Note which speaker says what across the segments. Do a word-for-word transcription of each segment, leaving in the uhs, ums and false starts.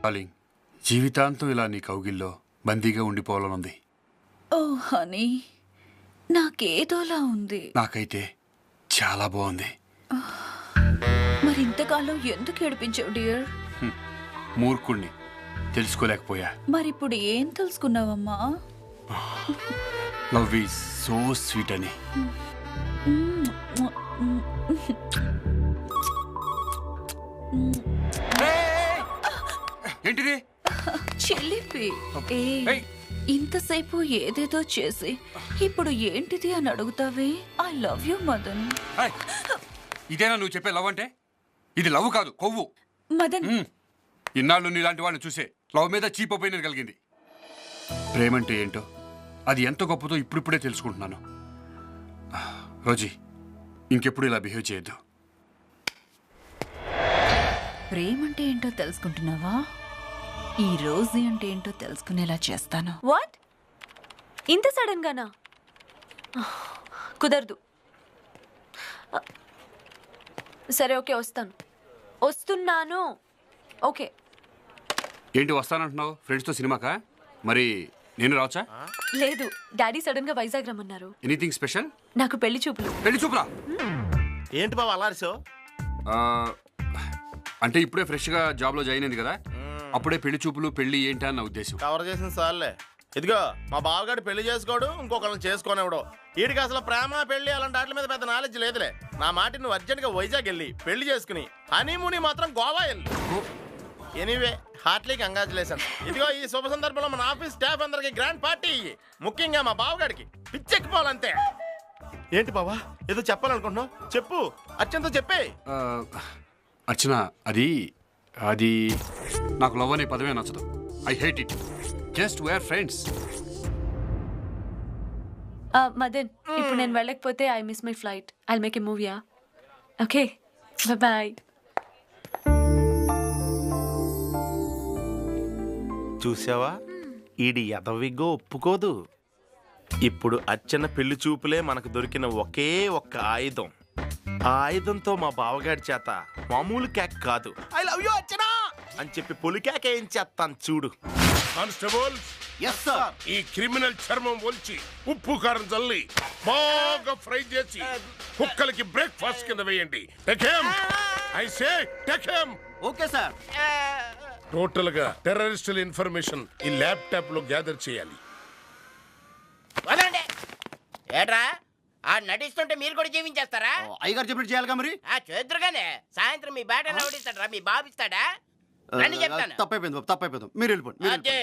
Speaker 1: Darling, జీవితాంతం ఇలా నీ కౌగిల్లో బందీగా ఉండిపోవాలనుంది.
Speaker 2: ఓ హనీ, నాకేదోలా ఉంది.
Speaker 1: నాకైతే చాలా బాగుంది.
Speaker 2: మరి ఇంతకాలం ఎందుకు ఏడిపించావు డియర్?
Speaker 1: మూర్ఖుణ్ణి, తెలుసుకోలేకపోయా.
Speaker 2: మరిప్పుడు ఏం తెలుసుకున్నావమ్మా?
Speaker 1: లవ్ ఈజ్ సో స్వీట్ అని. ఏంటిది?
Speaker 2: చెల్లిపి. ఏ ఇంతసేపు ఏదేదో చేసి ఇప్పుడు ఏంటిది అని అడుగుతావే? I love you Madan.
Speaker 1: ఇదేనా నువ్వు చెప్పే లవ్ అంటే? ఇది లవ్ కాదు, కొవ్వు.
Speaker 2: మదన్,
Speaker 1: ఇన్నాళ్ళు నీలాంటి వాళ్ళని చూసే లవ్ మీద చీప్ ఒపీనియన్ కలిగింది. ప్రేమంటే ఏంటో, అది ఎంత గొప్పదో ఇప్పుడిప్పుడే తెలుసుకుంటున్నాను. రోజీ, ఇంకెప్పుడు ఇలా బిహేవ్ చేయొద్దు.
Speaker 2: ప్రేమంటే ఏంటో తెలుసుకుంటున్నావా? ఈ రోజు అంటే ఏంటో తెలుసుకునేలా చేస్తాను.
Speaker 3: వాట్? ఇంత సడన్ గానా? కుదరదు. సరే, ఓకే, వస్తాను. వస్తున్నాను. ఓకే.
Speaker 1: ఏంటి వస్తానంటున్నావు? ఫ్రెండ్స్తో సినిమాకా? మరి నేను రావచ్చా?
Speaker 3: లేదు, డాడీ సడన్ గా వైజాగ్ రమ్మన్నారు.
Speaker 1: Anything special?
Speaker 3: నాకు పెళ్లి చూపులు.
Speaker 1: పెళ్లి చూపులా?
Speaker 4: ఏంటి బాబు అల్లారిసో?
Speaker 1: అంటే ఇప్పుడే ఫ్రెష్గా జాబ్లో జాయిన్ అయింది కదా, అప్పుడే పెళ్లి చూపులు పెళ్లి ఏంటి అని నా ఉద్దేశం.
Speaker 4: కవర్ చేసిన సార్లే. ఇదిగో మా బావగాడు పెళ్లి చేసుకోడు, ఇంకొకరిని చేసుకోనివ్వడు. వీడికి అసలు ప్రేమ పెళ్లి అలాంటి వాటి మీద పెద్ద నాలెడ్జ్ లేదులే. నా మాట నువ్వు అర్జెంట్ గా వైజాగ్ వెళ్ళి పెళ్లి చేసుకుని హనీమూని మాత్రం గోవా వెళ్ళి. Anyway, heartly congratulation. ఇదిగో ఈ శుభ సందర్భంలో మన ఆఫీస్ స్టాఫ్ అందరికి గ్రాండ్ పార్టీ ఇయ్యి. ముఖ్యంగా మా బావగాడికి పిచ్చెక్కిపోవాలంతే. ఏంటి బావా, ఏదో చెప్పాలనుకుంటున్నావు? చెప్పు, అర్చనతో చెప్పే.
Speaker 1: అర్చన, అది అది నాకు లవ్ అనే పదమే నచ్చదు. I hate it. Just we're friends.
Speaker 3: Madan, ఇప్పుడు నేను వెళ్ళకపోతే I miss my flight. I make a మూవీయా? Okay, bye.
Speaker 4: చూసావా, ఈడి ఎదవిగో ఒప్పుకోదు. ఇప్పుడు అర్చన పెళ్లి చూపులే మనకు దొరికిన ఒకే ఒక్క ఆయుధం. ఆ ఆయుధంతో మా బావగాడి చేత మామూలు కేక్ కాదు, ఐ లవ్ యూ అర్చన అని చెప్పి పొలి కేక్ ఏం చేస్తాను చూడు.
Speaker 5: కానిస్టేబుల్, ఈ క్రిమినల్ చర్మం ఒలిచి ఉప్పు కారం చల్లి బాగా ఫ్రై చేసి కుక్కలకి బ్రేక్ఫాస్ట్ కింద వేయండి. I say take him.
Speaker 6: Okay sir.
Speaker 5: Total గా టెర్రరిస్టుల ఇన్ఫర్మేషన్ ఈ ల్యాప్టాప్ లో గ్యాదర్ చేయాలి.
Speaker 6: ఏట్రా, ఆ నటిస్తుంటే మీరు కూడా జీవించేస్తారా?
Speaker 7: అయ్యగారు చెప్పినట్టు చేయాలిగా మరి.
Speaker 6: ఆ చేద్దరుగానే సాయంత్రం మీ బ్యాట్ ఎవడిస్తాడా? మీ బాబు ఇస్తాడా? రండి చెప్తాను.
Speaker 7: తప్పైపోయింది బాబు, తప్పైపోయింది. మీరు వెళ్ళిపోండి.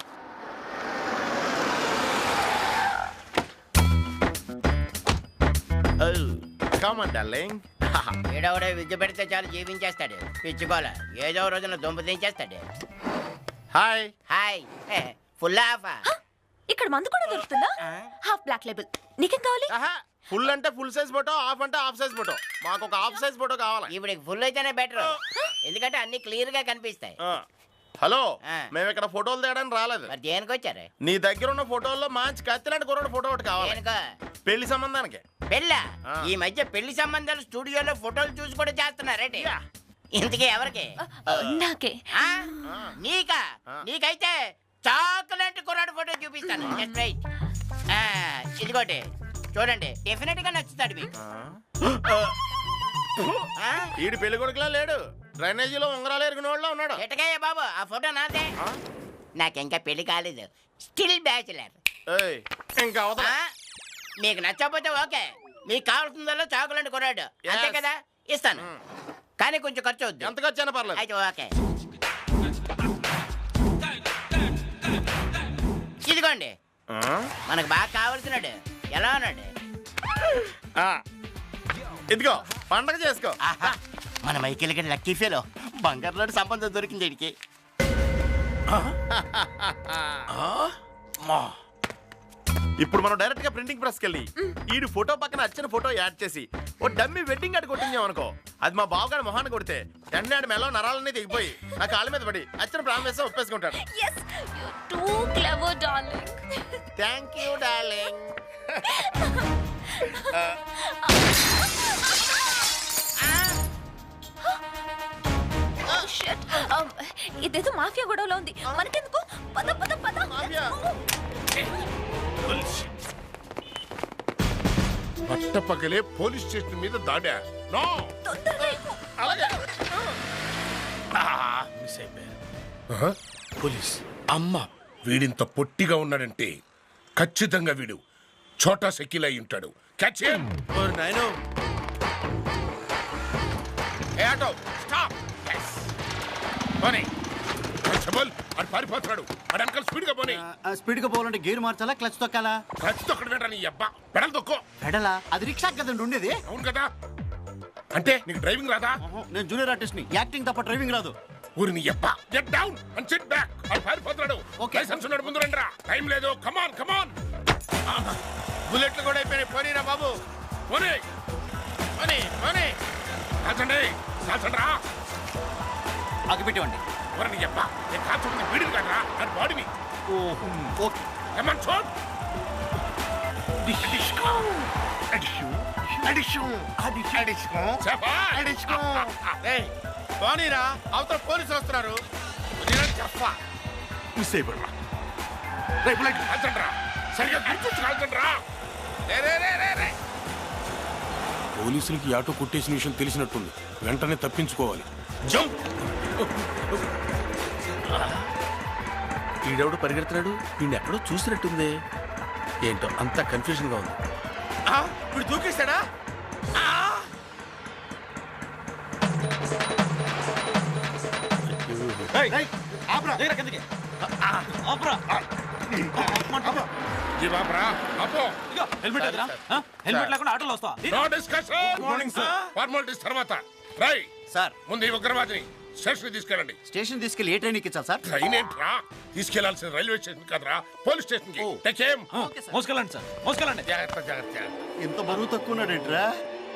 Speaker 6: ఏడవడే విద్య పెడితే చాలు జీవించేస్తాడు. పిచ్చుకోల ఏదో రోజున దుంప దించేస్తాడు.
Speaker 4: Hi
Speaker 6: hi. Full half.
Speaker 3: ఇక్కడ మందు కూడా దొరుకుతుందా? Half black label. నీకేం కావాలి?
Speaker 4: ఫుల్ అంటే ఫుల్ సైజ్ ఫోటో, హాఫ్ అంటే హాఫ్ సైజ్ ఫోటో. మాకు ఒక హాఫ్ సైజ్ ఫోటో కావాలి.
Speaker 6: ఇప్పుడు ఫుల్ అయితేనే బెటర్, ఎందుకంటే అన్ని క్లియర్ గా కనిపిస్తాయి.
Speaker 4: హలో, మేము ఇక్కడ ఫోటోలు తేయడానికి రాలేదు.
Speaker 6: మరి దేనికి వచ్చారు?
Speaker 4: నీ దగ్గర ఉన్న ఫోటోల్లో మంచి కత్తిలాంటి కుర్రాడు ఫోటో ఒకటి కావాలి. పెళ్లి సంబంధానికి.
Speaker 6: పెళ్ళా? ఈ మధ్య పెళ్లి సంబంధాలు స్టూడియోలో ఫోటోలు చూసి కూడా చేస్తున్నారేంటి? ఇంతకీ ఎవరికి?
Speaker 3: నాకే.
Speaker 6: నీకా? నీకైతే చాక్లెట్ కుర్రాడు ఫోటో చూపిస్తాను. Just right. ఇదిగోటి చూడండి, డెఫినెట్ గా నచ్చుతాడు మీకు.
Speaker 4: ఈడు పెళ్లి కొడుకులా లేడు, డ్రైనేజీలో ఉంగరాలు ఎరిగిన వాళ్ళ ఉన్నాడు.
Speaker 6: ఎటకాయ బాబు, ఆ ఫోటో నాదే. నాకింకా పెళ్లి కాలేదు, స్టిల్ బ్యాచులర్.
Speaker 4: ఇంకా అవతల.
Speaker 6: మీకు నచ్చకపోతే ఓకే, మీకు కావాల్సిందల్లా చాకులంటే కొన్నాడు అంతే కదా, ఇస్తాను. కానీ కొంచెం ఖర్చు అవుద్ది.
Speaker 4: ఎంత ఖర్చు అయినా పర్లేదు.
Speaker 6: అయితే ఓకే. ఇదిగోండి, మనకు బాగా కావాల్సినాడు. ఎలా ఉన్నాడు?
Speaker 4: ఇదిగో పండగ చేసుకో.
Speaker 6: మన మైకిల్ గడి లక్కీ ఫీలో బంగారు లాంటి సంబంధం దొరికింది వీడికి.
Speaker 4: ఇప్పుడు మనం డైరెక్ట్ గా ప్రింటింగ్ ప్రెస్ కెళ్ళి ఈడు ఫోటో పక్కన అర్చన ఫోటో యాడ్ చేసి ఓ డమ్మి వెడ్డింగ్ కార్డు కొట్టించాం అనుకో, అది మా బావగాడి మొహాన్ని కొడితే ఎన్నాడు మెల్లో నరాలన్నీ దిగిపోయి నా కాళ్ళ మీద పడి అర్చన ప్రాణం వేస్తే ఒప్పేసుకుంటాడు. Thank you darling.
Speaker 2: ఇదేదో మాఫియా గొడవలో ఉంది మనకెందుకు పద పద పద
Speaker 4: మాఫియా.
Speaker 5: పట్టపగలే పోలీస్ స్టేషన్ మీద దాడా నో
Speaker 2: తొందరగా ఎక్కు.
Speaker 4: అలాగే
Speaker 5: మిస్ అయిపోయారు పోలీస్ అమ్మ వీడింత పొట్టిగా ఉన్నాడంటే ఖచ్చితంగా వీడు చోటా సెకిల్ అయి ఉంటాడు క్యాచ్ హిమ్
Speaker 4: నాయను ఏ ఆటో
Speaker 5: స్టాప్ yes పోనీ కానిస్టేబుల్ అడు పారిపోతున్నాడు అడు అంకల్ స్పీడ్ గా పోనీ
Speaker 7: స్పీడ్ గా పోవాలంటే గేర్ మార్చాలా క్లచ్ తొక్కాలా?
Speaker 5: క్లచ్ తొక్కడు వెంట నీ అబ్బా పెడల్ తొక్కో
Speaker 7: పెడలా? అది రిక్షా కదండి ఉండేది.
Speaker 5: అవును కదా అంటే నీకు డ్రైవింగ్ రాదా
Speaker 7: నేను జూనియర్ ఆర్టిస్ట్ ని, యాక్టింగ్ తప్ప డ్రైవింగ్ రాదు.
Speaker 5: ఊరి నీ అబ్బా get down and sit back అడు పారిపోతున్నాడు
Speaker 7: Okay.
Speaker 5: లైసెన్స్ ఉన్నాడు ముందు రండిరా టైం లేదు కమాన్ కమాన్
Speaker 4: బుల్లెట్లు కూడా అయిపోయినాయి పోనీరా బాబు
Speaker 5: పోనీ
Speaker 4: పోనీ పోనీ
Speaker 5: కాల్చండి కాల్చండి రా
Speaker 7: అగిపెట్టేవండి.
Speaker 5: ఊరి నీ అబ్బా నేను కాల్చుకుంది వీడిని కాదురా అది బాడీని
Speaker 7: ఓహో ఓకే.
Speaker 5: కమాన్ చూడ్
Speaker 4: ఏయ్, పోనీరా అవతల పోలీసులు వస్తున్నారు
Speaker 5: చెప్పా మిస్ అయిపోయినా రేపు లైట్ కాల్చండి రా సరిగ్గా గుర్తొచ్చి కాల్చండి రా
Speaker 4: రే, రే, రే, రే, రే.
Speaker 8: పోలీసులకి ఆటో కొట్టేసిన విషయం తెలిసినట్టుంది, వెంటనే తప్పించుకోవాలి.
Speaker 5: జంప్
Speaker 4: ఈడెవడు పరిగెడుతున్నాడు వీడిని ఎక్కడో చూసినట్టుంది ఏంటో అంతా కన్ఫ్యూజన్ గా ఉంది ఇప్పుడు దూకేస్తాడా
Speaker 5: జీవాబ్రా అపో
Speaker 7: హెల్మెట్ ఎదురా? ఆ? హెల్మెట్ లేకుండా ఆటోలో వస్తావా?
Speaker 5: No discussion morning sir formalities తర్వాత రై
Speaker 7: సార్
Speaker 5: ముందు ఈ ఉగ్రవాదిని స్టేషన్ తీసుకెళ్ళండి
Speaker 7: స్టేషన్ తీసుకెళ్లి ఏ ట్రైన్ ఎక్కించాలి సార్?
Speaker 5: ట్రైన్ ఏంట్రా తీసుకెళ్లాల్సిన రైల్వే స్టేషన్ కదరా పోలీస్ స్టేషన్ కి టేక్ హిమ్
Speaker 7: మోసుకెళ్ళండి సార్, మోసుకెళ్ళండి.
Speaker 5: జాగ్రత్త జాగ్రత్త
Speaker 7: ఎంత బరువు తక్కువ ఉన్నాడేంట్రా?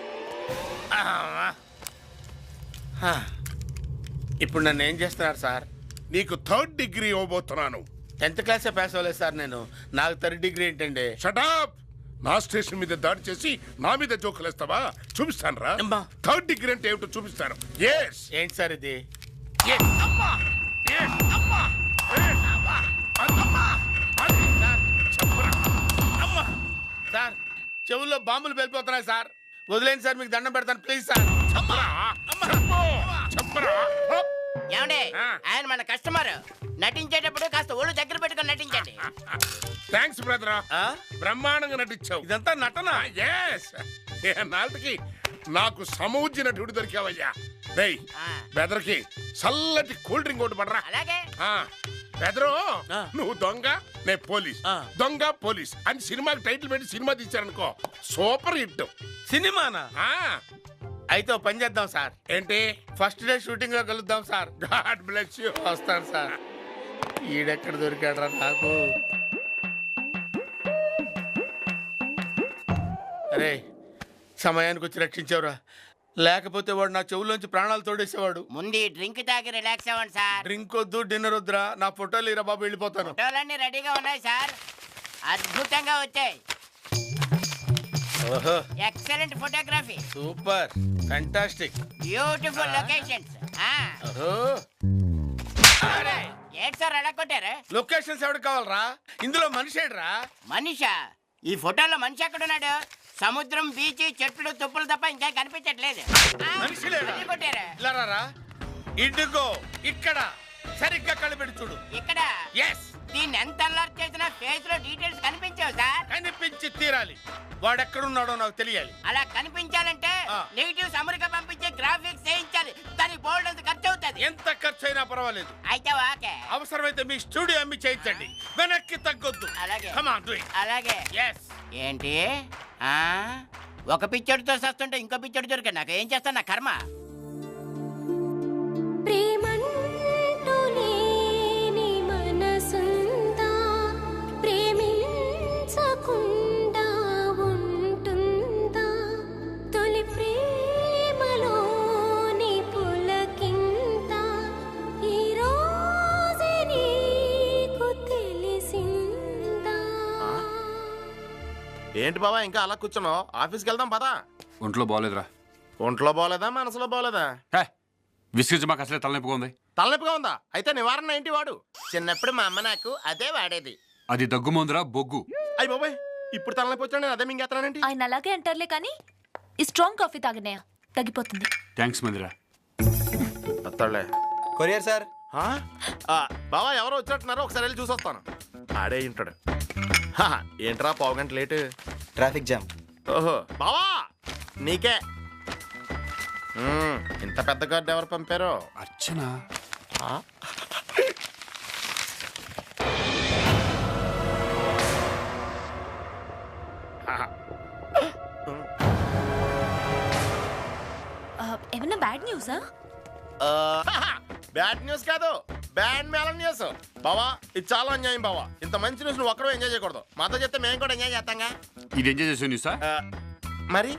Speaker 4: ఇప్పుడు నన్ను ఏం చేస్తున్నారు సార్
Speaker 5: నీకు థర్డ్ డిగ్రీ ఇవ్వబోతున్నాను
Speaker 4: టెన్త్ క్లాసే పాస్ అవ్వలేదు సార్ నేను నాకు థర్డ్ డిగ్రీ ఏంటండి
Speaker 5: షటప్ నా స్టేషన్ మీద దాడి చేసి నా మీద జోకులేస్తావా చూపిస్తాను రా
Speaker 4: అమ్మా.
Speaker 5: థర్డ్ డిగ్రీ అంటే ఏమిటో చూపిస్తాను ఎస్
Speaker 4: ఏంటి సార్ ఇది
Speaker 5: అమ్మా Yes, అమ్మా Yes, అమ్మా అమ్మా అది చెప్పరా
Speaker 4: అమ్మా సార్ చెవుల్లో బాంబులు వెళ్ళిపోతున్నాయి సార్ వదిలేండి సార్ మీకు దండం పెడతాను ప్లీజ్ సార్
Speaker 5: చెప్పరా చెప్పు చెప్పరా
Speaker 6: ఏమండి
Speaker 5: ఆ.
Speaker 6: ఆయన మన కస్టమర్ నటించేటప్పుడు కాస్త ఒళ్ళు దగ్గర పెట్టుకొని నటించండి
Speaker 5: థ్యాంక్స్ బ్రదర్
Speaker 4: ఆ?
Speaker 5: బ్రహ్మాండంగా నటించావు
Speaker 4: ఇదంతా నటన
Speaker 5: ఎస్ నాటికి నాకు సమూజ్య నటుడు దొరికావయ్యా రేయ్
Speaker 6: ఆ.
Speaker 5: బెదర్కి చల్లటి కూల్ డ్రింక్ ఒకటి పడరా
Speaker 6: అలాగే
Speaker 5: ఆ, బెదరు
Speaker 4: ఆ.
Speaker 5: నువ్వు దొంగ నే పోలీస్
Speaker 4: ఆ.
Speaker 5: దొంగ పోలీస్ అని సినిమాకి టైటిల్ పెట్టి సినిమా తీశారనుకో సూపర్ హిట్
Speaker 4: సినిమానా
Speaker 5: ఆ,
Speaker 4: అయితే ఓ పని చేద్దాం సార్
Speaker 5: ఏంటి
Speaker 4: ఫస్ట్ డే షూటింగ్ లో కలుద్దాం సార్
Speaker 5: గాడ్ బ్లెస్ యూ
Speaker 4: వస్తాను సార్ ఈడెక్కడ దొరికాడరా నాకు అరే సమయానికి వచ్చి రక్షించావురా లేకపోతే వాడు నా చెవుల్లోంచి ప్రాణాలు తోడేసేవాడు
Speaker 6: ముందు ఈ డ్రింక్ తాగి రిలాక్స్ అవ్వండి సార్
Speaker 4: డ్రింక్ వద్దు డిన్నర్ వద్దురా నా ఫోటోలు ఇరా బాబు వెళ్ళిపోతాను
Speaker 6: ఫోటోలన్నీ రెడీగా ఉన్నాయి సార్ అద్భుతంగా వచ్చాయి
Speaker 4: ఓహో
Speaker 6: excellent photography
Speaker 4: super fantastic
Speaker 6: beautiful locations
Speaker 4: ఓహో
Speaker 6: ఏంటి సార్ అలా కొట్టారు
Speaker 4: లొకేషన్స్ ఎవరికి కావాలరా ఇందులో మనిషి ఏడ్రా
Speaker 6: మనిషా ఈ ఫోటోలో మనిషి ఎక్కడున్నాడు సముద్రం బీచ్ చెట్లు తుప్పులు తప్ప ఇంకా కనిపించట్లేదు ఆ,
Speaker 4: మనిషి లేడా?
Speaker 6: మళ్ళీ కొట్టారు
Speaker 4: ఇలా రారా ఇదిగో ఇక్కడ సరిగ్గా కనిపెట్టి చూడు
Speaker 6: ఇక్కడ
Speaker 4: ఎస్
Speaker 6: దీన్ని ఎంత అల్లరి చేసినా ఫేస్ లో డీటెయిల్స్ కనిపించవు సార్
Speaker 4: కనిపించి తీరాలి వాడెక్కడున్నాడో నాకు తెలియాలి
Speaker 6: అలా కనిపించాలంటే
Speaker 4: ఆ.
Speaker 6: నెగిటివ్స్ అమెరికా పంపించే గ్రాఫిక్స్ చేయించాలి దానికి బోల్డ్ అంత ఖర్చు అవుతుంది
Speaker 4: ఎంత ఖర్చు అయినా పర్వాలేదు
Speaker 6: అయితే ఓకే
Speaker 4: అవసరమైతే మీ స్టూడియో అమ్మి చేయించండి వెనక్కి తగ్గొద్దు
Speaker 6: అలాగే.
Speaker 4: Come on, do it.
Speaker 6: అలాగే
Speaker 4: Yes.
Speaker 6: ఏంటి ఆ ఒక పిచ్చడితో సస్తుంటే ఇంకో పిచ్చడి దొరికా నాకు ఏం చేస్తా నా కర్మ
Speaker 9: ప్రేమంటూ లేని మనసుందా ప్రేమించకుండా ఉంటుందా తొలి ప్రేమలోని పులకింత ఈ రోజే నీకు తెలిసిందా
Speaker 4: ఏంటి బాబా ఇంకా అలా కూర్చున్నావు ఆఫీస్కి వెళ్దాం పదా
Speaker 1: ఒంట్లో బాగోలేదురా
Speaker 4: ఒంట్లో బాగోలేదా మనసులో బాగోలేదా
Speaker 1: హే విసిగించి మాకు అసలే తలనొప్పిగా ఉంది
Speaker 4: తలనొప్పిగా ఉందా? అయితే నివారణ ఏంటి వాడు? చిన్నప్పుడు మా అమ్మ నాకు అదే వాడేది.
Speaker 1: అది దగ్గు మందురా బొగ్గు.
Speaker 4: అయ్యి బాబాయ్, ఇప్పుడు తలనొప్పి వచ్చాడు, నేను అదే మింగేస్తానండి.
Speaker 3: ఆయన అలాగే అంటారులే కానీ ఈ స్ట్రాంగ్ కాఫీ తాగనయా తగ్గిపోతుంది.
Speaker 1: థ్యాంక్స్ మందిరా.
Speaker 4: వస్తాడులే.
Speaker 7: Courier sir.
Speaker 4: ఆ? ఆ, బావా ఎవరో వచ్చినట్టున్నారు, ఒకసారి వెళ్ళి చూసి వస్తాను. ఆడే ఉంటాడు. హా, ఏంట్రా పావు గంట లేటు?
Speaker 7: Traffic jam.
Speaker 4: ఓహో బావా నీకే. మ్మ్, ఇంత పెద్ద కార్డు ఎవరు పంపారో?
Speaker 1: అర్చన.
Speaker 4: ఆ?
Speaker 3: ఏమన్నా బ్యాడ్ న్యూసా?
Speaker 4: బ్యాడ్ న్యూస్ కాదు, బ్యాడ్ మేళన్ న్యూస్. బావా ఇది చాలా అన్యాయం బావా. ఇంత మంచి న్యూస్ నువ్వు ఒక్కడో ఎంజాయ్ చేయకూడదు, మాతో చెప్తే మేము కూడా ఎంజాయ్ చేస్తాంగా.
Speaker 1: ఇది ఎంజాయ్ చేసే న్యూసా?
Speaker 4: ఆ, మరి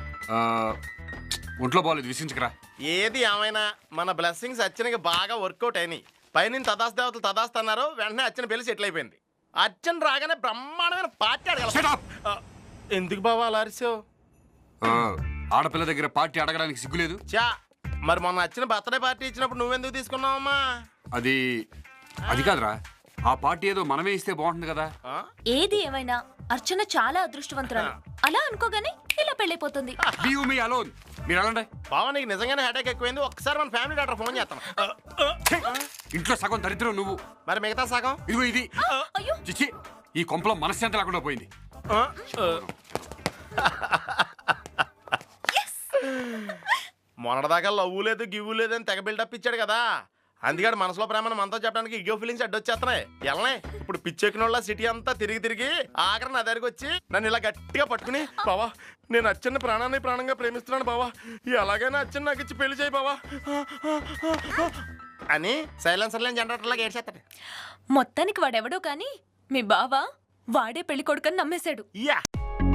Speaker 1: ఒంట్లో బాగాలేదు, విసించకరా.
Speaker 4: ఏది ఏమైనా మన బ్లెస్సింగ్స్ అచ్చనకి బాగా వర్కౌట్ అయినాయి. పైన తదాస్ దేవతలు తదాస్తు అన్నారు, వెంటనే అచ్చన పెళ్లి సెటిల్ అయిపోయింది. అచ్చన్ రాగానే బ్రహ్మాండమైన పార్టీ
Speaker 1: Shut
Speaker 4: అడగల.
Speaker 1: up!
Speaker 4: ఆ, ఎందుకు బావా అలా అరిసావు?
Speaker 1: ఆ, ఆడపిల్ల దగ్గర పార్టీ అడగడానికి సిగ్గులేదు.
Speaker 4: చా, మరి మొన్న వచ్చిన బర్త్డే పార్టీ ఇచ్చినప్పుడు నువ్వెందుకు తీసుకున్నావమ్మా?
Speaker 1: అది అది కాదురా, ఆ పార్టీ ఏదో మనమే ఇస్తే బాగుంటుంది కదా.
Speaker 4: ఆ?
Speaker 3: ఏది ఏమైనా అర్చన చాలా అదృష్టవంతురాలు. అలా అనుకోగానే ఇలా పెళ్ళైపోతుంది.
Speaker 1: Leave me alone. మీరు అలాంటి
Speaker 4: బావా నీకు నిజంగానే హెడేక్ ఎక్కువైంది, ఒక్కసారి మన ఫ్యామిలీ డాక్టర్ ఫోన్ చేస్తాను. ఆ, ఆ,
Speaker 1: ఇంట్లో సగం దరిద్రం నువ్వు,
Speaker 4: మరి మిగతా సగం?
Speaker 1: ఇదిగో ఇది.
Speaker 3: అయ్యో
Speaker 1: చిచ్చి, ఈ కొంపలో మనశ్శాంతి లేకుండా పోయింది.
Speaker 4: ఆ, ఆ. మొన్నటిదాకా లవ్వు లేదు గివ్వు లేదు అని తెగ బిల్డప్ ఇచ్చాడు కదా, అందుకని మనసులో ప్రేమను మనతో చెప్పడానికి ఇగో ఫీలింగ్స్ అడ్డొచ్చేస్తున్నాయి. ఎలనే ఇప్పుడు పిచ్చెక్కిన వాళ్ళ సిటీ అంతా తిరిగి తిరిగి ఆఖరి నా దగ్గరికి వచ్చి నన్ను ఇలా గట్టిగా పట్టుకుని, బావా నేను అచ్చన్న ప్రాణాన్ని ప్రాణంగా ప్రేమిస్తున్నాను బావా, ఎలాగైనా అచ్చన్న నాకు ఇచ్చి పెళ్లి చేయి బావా అని సైలెన్సర్ లేని జనరేటర్ లాగా ఏడ్చేస్తాడు.
Speaker 3: మొత్తానికి వాడెవడో కానీ మీ బావ వాడే పెళ్లి కొడుకని నమ్మేశాడు.
Speaker 4: యా